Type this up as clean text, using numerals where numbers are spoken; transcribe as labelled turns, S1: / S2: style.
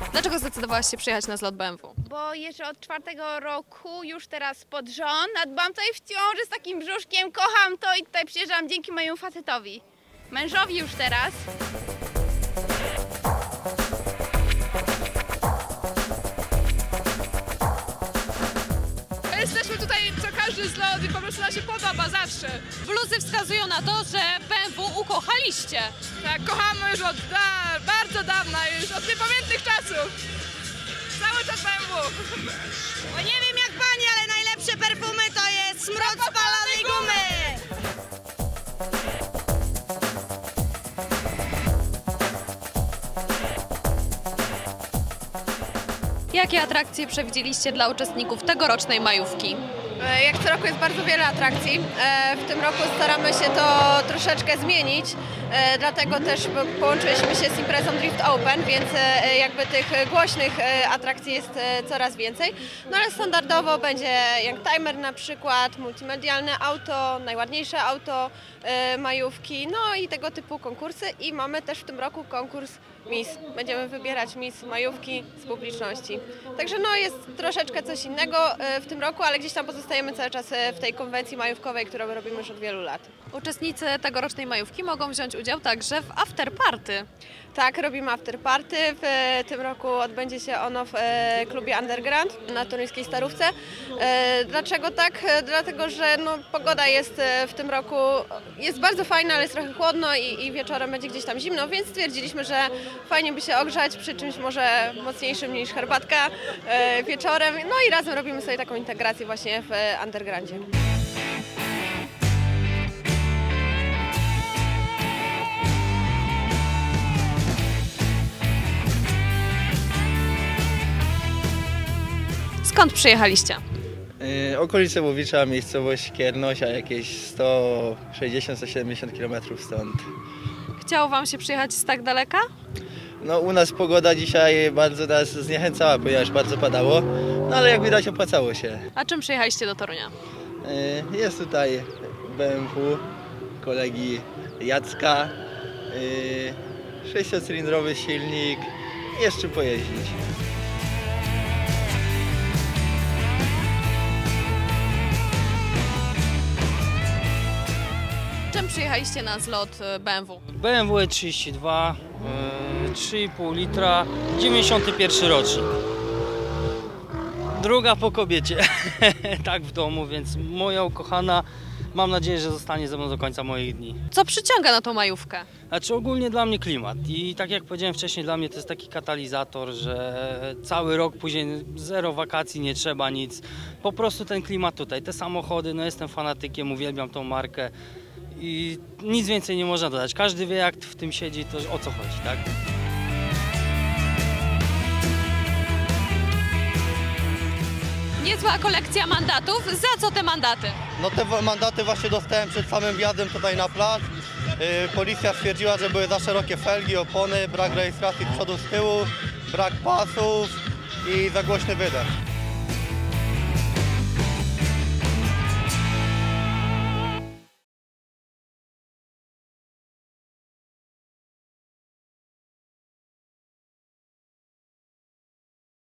S1: Dlaczego zdecydowałaś się przyjechać na zlot BMW?
S2: Bo jeżdżę od 4 roku, już teraz pod rząd, a dbam tutaj w ciąży z takim brzuszkiem, kocham to i tutaj przyjeżdżam dzięki mojemu facetowi. Mężowi już teraz.
S3: Jesteśmy tutaj co każdy zlot i po prostu nam się podoba zawsze.
S1: Bluzy wskazują na to, że BMW ukochaliście.
S3: Tak, kochamy już od bardzo dawna, już od niepamiętnych czasów. Cały czas BMW.
S4: Bo nie wiem jak pani, ale najlepsze perfumy to jest smród spalonej gumy!
S1: Jakie atrakcje przewidzieliście dla uczestników tegorocznej majówki?
S5: Jak co roku jest bardzo wiele atrakcji. W tym roku staramy się to troszeczkę zmienić, dlatego też połączyliśmy się z imprezą Drift Open, więc jakby tych głośnych atrakcji jest coraz więcej. No ale standardowo będzie Young Timer na przykład, multimedialne auto, najładniejsze auto majówki, no i tego typu konkursy. I mamy też w tym roku konkurs Miss. Będziemy wybierać Miss majówki z publiczności. Także no jest troszeczkę coś innego w tym roku, ale gdzieś tam pozostajemy cały czas w tej konwencji majówkowej, którą robimy już od wielu lat.
S1: Uczestnicy tegorocznej majówki mogą wziąć udział także w afterparty.
S5: Tak, robimy afterparty. W tym roku odbędzie się ono w klubie Underground na toruńskiej Starówce. Dlaczego tak? Dlatego, że no, pogoda jest w tym roku jest bardzo fajna, ale jest trochę chłodno i wieczorem będzie gdzieś tam zimno, więc stwierdziliśmy, że fajnie by się ogrzać przy czymś może mocniejszym niż herbatka wieczorem. No i razem robimy sobie taką integrację właśnie w Undergroundzie.
S1: Skąd przyjechaliście?
S6: Okolice Łowicza, miejscowość Kiernosia, jakieś 160-170 km stąd.
S1: Chciało wam się przyjechać z tak daleka?
S6: No u nas pogoda dzisiaj bardzo nas zniechęcała, ponieważ bardzo padało, no ale jak widać opłacało się.
S1: A czym przyjechaliście do Torunia?
S6: Jest tutaj BMW kolegi Jacka, 6-cylindrowy silnik, jest czym pojeździć.
S1: Czym przyjechaliście na zlot BMW?
S7: BMW E32, 3,5 litra, 91 rocznik. Druga po kobiecie, tak w domu, więc moja ukochana, mam nadzieję, że zostanie ze mną do końca moich dni.
S1: Co przyciąga na tą majówkę?
S7: Znaczy ogólnie dla mnie klimat i tak jak powiedziałem wcześniej, dla mnie to jest taki katalizator, że cały rok później zero wakacji, nie trzeba nic. Po prostu ten klimat tutaj, te samochody, no jestem fanatykiem, uwielbiam tą markę. I nic więcej nie można dodać. Każdy wie, jak w tym siedzi, to o co chodzi, tak?
S1: Niezła kolekcja mandatów. Za co te mandaty?
S8: No te mandaty właśnie dostałem przed samym wjazdem tutaj na plac. Policja stwierdziła, że były za szerokie felgi, opony, brak rejestracji z przodu, z tyłu, brak pasów i za głośny wydech.